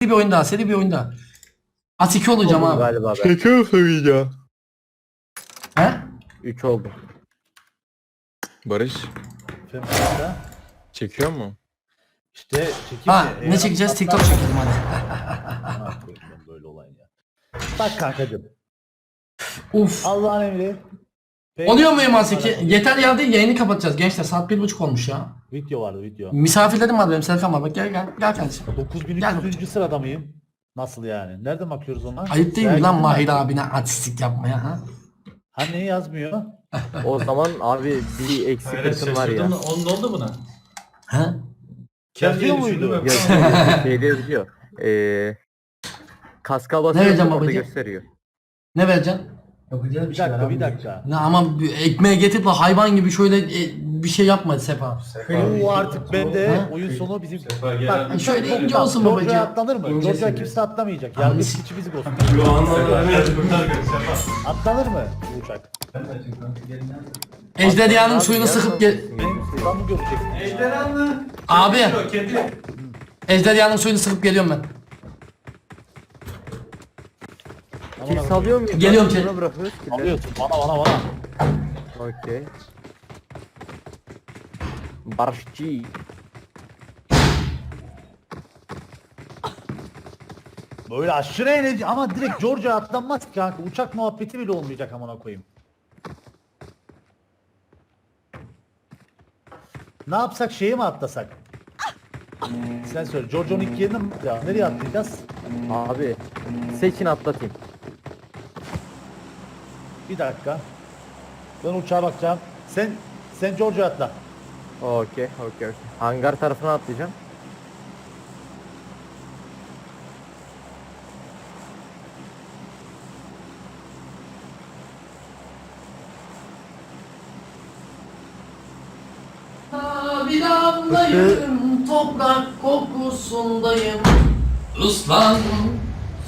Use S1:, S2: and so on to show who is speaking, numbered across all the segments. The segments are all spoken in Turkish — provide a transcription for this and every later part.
S1: bir oyun daha. Seri bir oyun daha. At 2 olacağım
S2: Oldum
S1: abi.
S2: galiba ben.
S3: Şeker söyleyeceğim.
S1: He?
S2: 3 oldum.
S3: Barış
S4: Femur'da.
S3: çekiyor mu?
S4: İşte çekeyim
S1: Ha
S4: mi?
S1: ne çekeceğiz? TikTok çekelim hadi.
S4: Ha, böyle olayın ya. Bak kankacım.
S1: Uf.
S4: Allah'ın emri.
S1: Oluyor mu Eman Seki? Yeter ya değil, yayını kapatacağız gençler. Saat 1.30 olmuş ya.
S4: Video vardı video.
S1: Misafirlerim var benim, Serkan var. Bak gel kardeşim.
S4: 9300. sırada mıyım? Nasıl yani? Nereden bakıyoruz ona?
S1: Ayıp değil mi
S4: Belki
S1: lan
S4: de-
S1: Mahir abine artistlik yapmaya ha?
S4: Ha neyi yazmıyor?
S2: O zaman abi bir eksik kısım var ya.
S5: Onun oldu buna.
S1: Ha?
S4: Yazıyor muydu?
S2: Şeyde yazıyor. Kaska
S1: Ne
S2: basıyor
S1: vereceğim
S2: orada
S1: babacığım?
S2: gösteriyor.
S1: Ne vereceksin? Yapacağız
S4: Bir dakika bir dakika.
S1: Ne ama ekmeğe getirip de hayvan gibi şöyle bir şey yapma Sefa.
S4: Oo artık ben de
S1: Ha?
S4: oyun sonu bizim...
S5: Bak,
S1: şöyle ince olsun babacığım.
S4: Georgia atlanır mı?
S1: İncesin.
S4: Georgia kimse atlamayacak.
S1: Anladım.
S4: Yargı içi bizi olsun.
S5: Yo anladım. Kurtar göz.
S4: Atlanır mı bu uçak?
S1: Ejderhanın
S2: Abi,
S1: suyunu
S2: gel
S1: sıkıp
S2: lan.
S4: Benim buradan mı göreceksin?
S5: Ejderhanlı.
S1: Abi.
S5: Kedi.
S1: Ejderhanın suyunu sıkıp geliyorum ben.
S2: Kill salıyor muyuz?
S1: Geliyorum
S2: Sonra
S1: Çelik.
S2: bırakıyoruz killeri.
S4: Alıyorsun bana.
S2: Okey. Barışçı.
S4: Böyle aşırı enerji ama direkt Georgia atlanmaz ki kanka. Uçak muhabbeti bile olmayacak amına koyayım. Ne yapsak şeye mi atlasak? Sen söyle. Georgia'nın ilk yerine mi? Ya, nereye atlayacağız?
S2: Abi seçin atlatayım.
S4: Bir dakika. Ben uçağa bakacağım. Sen Georgia atla.
S2: Okey. Hangar tarafına atlayacağım.
S1: Bir damlayım, toprak kokusundayım. Islandım,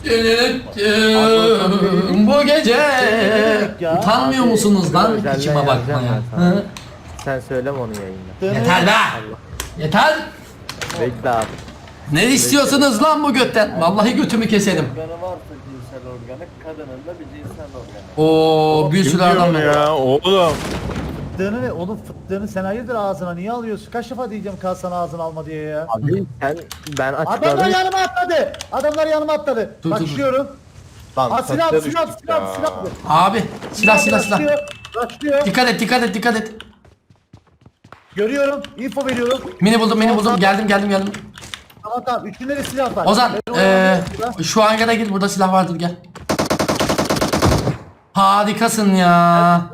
S1: sürüttüm bu gece.
S4: Ya,
S1: Utanmıyor
S2: abi,
S1: musunuz lan
S2: özelden
S1: içime
S2: yazacağım
S1: bakmaya?
S2: ben sana.
S1: Hı?
S2: Sen söyleme onu yayında.
S1: Yeter be! Yeter!
S2: Bekle abi.
S1: Ne istiyorsunuz lan bu götten? Vallahi götümü keselim.
S6: Organı varsa cinsel organı, kadının da bir cinsel organı.
S1: Oo bir sürü adam var.
S3: ya oğlum.
S4: Fıttığını ne? Onun fıttığını sen hayırdır ağzına niye alıyorsun? Kaç defa diyeceğim kalsana ağzına alma diye ya.
S2: Abi ben
S4: Adamlar
S2: açıkladım.
S4: yanıma atladı. Adamlar yanıma atladı.
S1: Dur, dur, dur.
S4: Başlıyorum.
S3: Lan
S4: Ha silah
S3: taşa
S4: silah
S3: düştük
S4: silah
S3: ya.
S4: silah.
S1: Abi silah.
S4: Başlıyor.
S1: Dikkat et.
S4: Görüyorum. Info veriyorum.
S1: Mini buldum. Geldim.
S4: Tamam. Üçünde de silah var.
S1: Ozan
S4: Ben oynamıyorum.
S1: şu hangara gir, burada silah vardır, gel. Harikasın ya.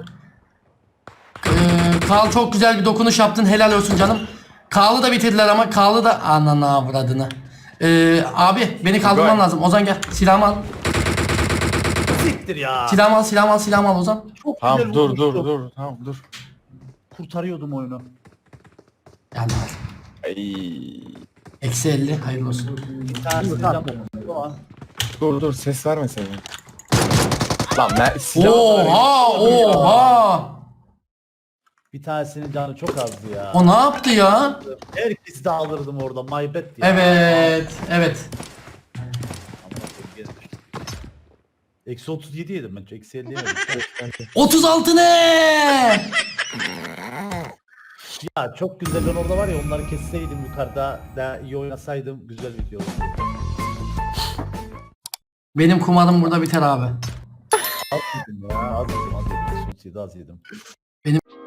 S1: Karl çok güzel bir dokunuş yaptın, helal olsun canım. Karl'ı da bitirdiler ama Karl'ı da ananı avradını. Abi beni kaldırman
S3: Güzel.
S1: lazım. Ozan gel, silahımı al.
S4: Siktir ya.
S1: Silahımı al Ozan.
S4: Çok
S3: Tamam
S4: güzel
S3: dur
S4: vurmuştu.
S3: tamam dur.
S4: Kurtarıyordum oyunu.
S1: Geldi.
S3: Ay.
S1: Eksi 50, hayırlı olsun.
S4: Bir tanesi tamam.
S3: Dur ses verme sen. Lan silah
S1: Oha.
S4: Bir tanesinin canı çok azdı ya.
S1: O ne yaptı ya?
S4: Herkesi de alırdım orada. My bad ya.
S1: Evet.
S4: Eksi 37 yedim ben. Eksi 50 yemedim.
S1: 36 ne?
S4: Ya çok güzel, ben orada var ya onları kesseydim yukarıda daha iyi oynasaydım güzel video olurdu.
S1: Benim kumarım burada biter abi.
S4: Az yedim ya, az yedim. 37 az yedim.